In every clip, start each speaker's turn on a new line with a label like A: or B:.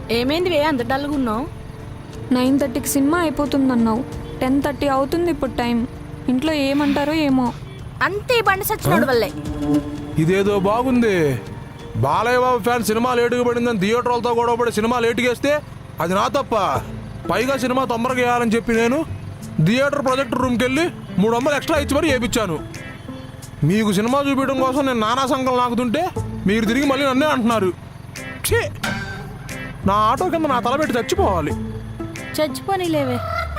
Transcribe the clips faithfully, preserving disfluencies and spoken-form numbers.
A: ఏమైంది వే అంత డల్గా ఉన్నావు?
B: నైన్ థర్టీకి సినిమా అయిపోతుందన్నావు, టెన్ థర్టీ అవుతుంది ఇప్పుడు టైం. ఇంట్లో ఏమంటారో ఏమో.
A: అంతే బండి సచ్చినోడు వల్లే.
C: ఇదేదో బాగుంది. బాలయ్య బాబు ఫ్యాన్ సినిమా లేటుగా పడిందని థియేటర్ వాళ్ళతో గొడవ పడి సినిమా లేటుగా వేస్తే అది నా తప్ప. పైగా సినిమా తొందరగా వేయాలని చెప్పి నేను థియేటర్ ప్రొజెక్టర్ రూమ్కి వెళ్ళి మూడు వందలు ఎక్స్ట్రా ఇచ్చి మరీ వేయించాను. మీకు సినిమా చూపించడం కోసం నేను నానా సంకలం నాకుతుంటే మీరు తిరిగి మళ్ళీ నన్నే అంటున్నారు. ఛీ, నా ఆటో కింద నా తల పెట్టి చచ్చిపోవాలి.
A: చచ్చిపోని లేవే.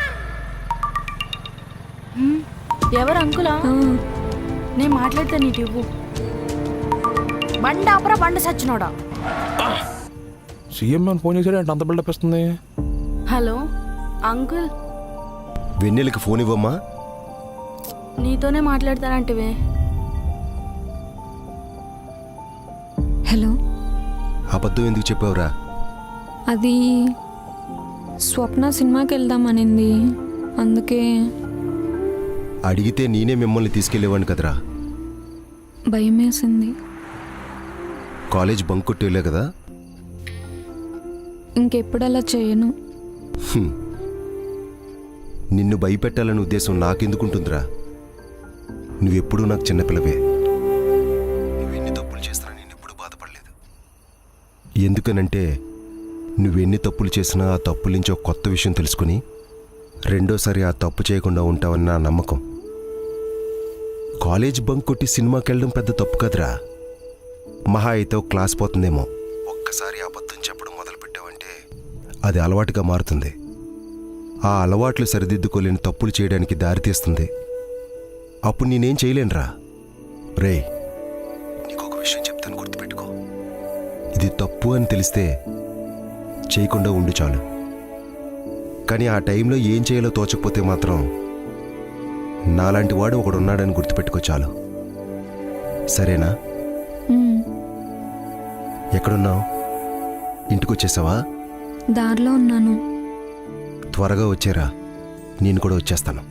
A: ఎవరు అంకులా? నేను మాట్లాడితే నీటి ఇవ్వు. బండి ఆపరా బండి సచ్చినోడా.
C: సీఎం అని ఫోన్ చేశాడు అంటే అంత బిల్డప్ ఇస్తుంది.
A: హలో అంకుల్,
D: వెన్నెలకి ఫోన్ ఇవ్వమ్మా.
A: నీతోనే మాట్లాడతానంటివే.
B: హలో.
D: అబద్ధం ఎందుకు చెప్పావురా?
B: అది స్వప్న సినిమాకి వెళ్దామనింది, అందుకే.
D: అడిగితే నేనే మిమ్మల్ని తీసుకెళ్లేవాడిని కదరా.
B: భయం వేసింది.
D: కాలేజ్ బంక్ కొట్టేలే కదా.
B: ఇంకెప్పుడు అలా చేయను.
D: హ్మ్. నిన్ను భయపెట్టాలనే ఉద్దేశం నాకెందుకుంటుందిరా? నువ్వెప్పుడూ నాకు చిన్నపిల్లవే. నువ్వెన్ని తప్పులు చేసినా నేను ఎప్పుడూ బాధపడలేదు. ఎందుకనంటే నువ్వెన్ని తప్పులు చేసినా ఆ తప్పుల నుంచి ఒక కొత్త విషయం తెలుసుకుని రెండోసారి ఆ తప్పు చేయకుండా ఉంటావని నా నమ్మకం. కాలేజ్ బంక్ కొట్టి సినిమాకి వెళ్ళడం పెద్ద తప్పు కదరా. మహా అయితే ఒక క్లాస్ పోతుందేమో. ఒక్కసారి అబద్ధం చెప్పడం మొదలుపెట్టావంటే అది అలవాటుగా మారుతుంది. ఆ అలవాట్లు సరిదిద్దుకోలేని తప్పులు చేయడానికి దారితీస్తుంది. అప్పుడు నేనేం చేయలేనురా. రే, నీకొక విషయం చెప్తాను, గుర్తుపెట్టుకో. ఇది తప్పు అని తెలిస్తే చేయకుండా ఉండు చాలు. కానీ ఆ టైంలో ఏం చేయాలో తోచకపోతే మాత్రం నాలాంటి వాడు ఒకడున్నాడని గుర్తుపెట్టుకో చాలు. సరేనా? ఎక్కడున్నావు? ఇంటికి వచ్చేసావా?
B: దారిలో ఉన్నాను.
D: త్వరగా వచ్చేరా, నేను కూడా వచ్చేస్తాను.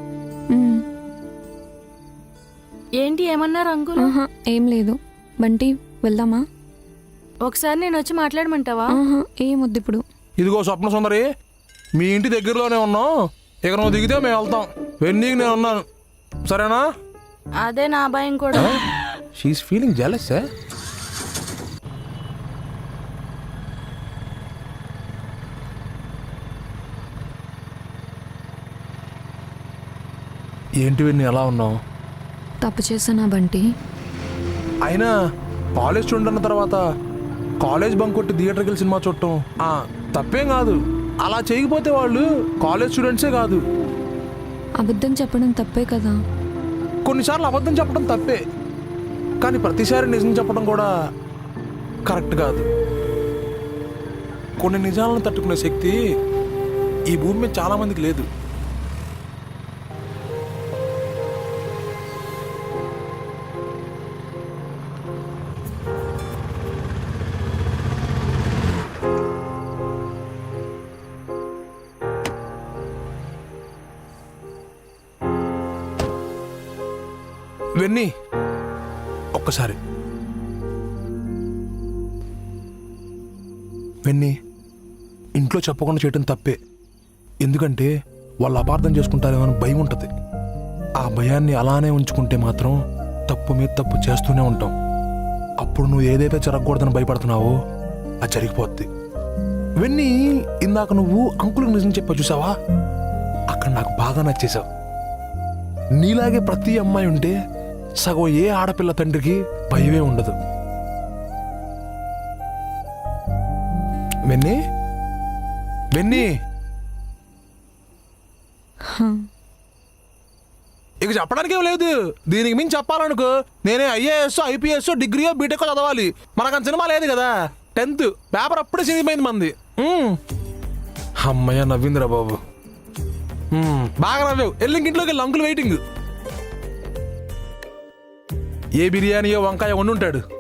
A: ఏంటి ఏమన్నారు అంకుల్?
B: ఆహా, ఏం లేదు. బంటి వెళ్దామా?
A: ఒకసారి నేను వచ్చి మాట్లాడమంటావా?
B: ఆహా, ఏమొద్దు ఇప్పుడు.
C: ఇదిగో స్వప్న సుందరి, మీ ఇంటి దగ్గరలోనే ఉన్నాం. ఇక నువ్వు దిగితే మేము వెళ్తాం. వెన్నీకి నేను ఉన్నాను, సరేనా?
A: అదే నా భయం కూడా.
C: She's feeling jealous. ఏంటి వెన్నీ ఎలా ఉన్నావు?
B: తప్పు చేసానా బంటి?
C: అయినా కాలేజ్ స్టూడెంట్ అన్న తర్వాత కాలేజ్ బంక్ కొట్టి థియేటర్కి వెళ్ళి సినిమా చూడటం ఆ, తప్పేం కాదు. అలా చేయకపోతే వాళ్ళు కాలేజ్ స్టూడెంట్సే కాదు.
B: అబద్ధం చెప్పడం తప్పే కదా.
C: కొన్నిసార్లు అబద్ధం చెప్పడం తప్పే, కానీ ప్రతిసారి నిజం చెప్పడం కూడా కరెక్ట్ కాదు. కొన్ని నిజాలను తట్టుకునే శక్తి ఈ భూమి మీద చాలా మందికి లేదు. వెన్నీ, ఒక్కసారి వెన్నీ, ఇంట్లో చెప్పకుండా చేయటం తప్పే. ఎందుకంటే వాళ్ళు అపార్థం చేసుకుంటారేమో అని భయం ఉంటుంది. ఆ భయాన్ని అలానే ఉంచుకుంటే మాత్రం తప్పు మీద తప్పు చేస్తూనే ఉంటాం. అప్పుడు నువ్వు ఏదైతే జరగకూడదని భయపడుతున్నావో అది జరిగిపోద్ది. వెన్నీ, ఇందాక నువ్వు అంకుల్కి నిజం చెప్పా చూసావా? అక్కడ నాకు బాగా నచ్చేసావు. నీలాగే ప్రతి అమ్మాయి ఉంటే సగం ఏ ఆడపిల్ల తండ్రికి భయమే ఉండదు. వెన్నీ, వెన్నీ, ఇక చెప్పడానికి ఏం లేదు. దీనికి మించి చెప్పాలనుకో నేనే ఐఏఎస్ ఐపీఎస్ డిగ్రీయో బీటెక్ చదవాలి. మనకు సినిమా లేదు కదా. టెన్త్ పేపర్ అప్పుడే సినిమైంది మంది. అమ్మయ్య నవ్విందిరా బాబు. బాగా నవ్వావు. వెళ్ళి ఇంట్లోకి వెళ్ళి అంకుల్ వెయిటింగ్. ఏ బిర్యానీయో వంకాయ వండుంటాడు.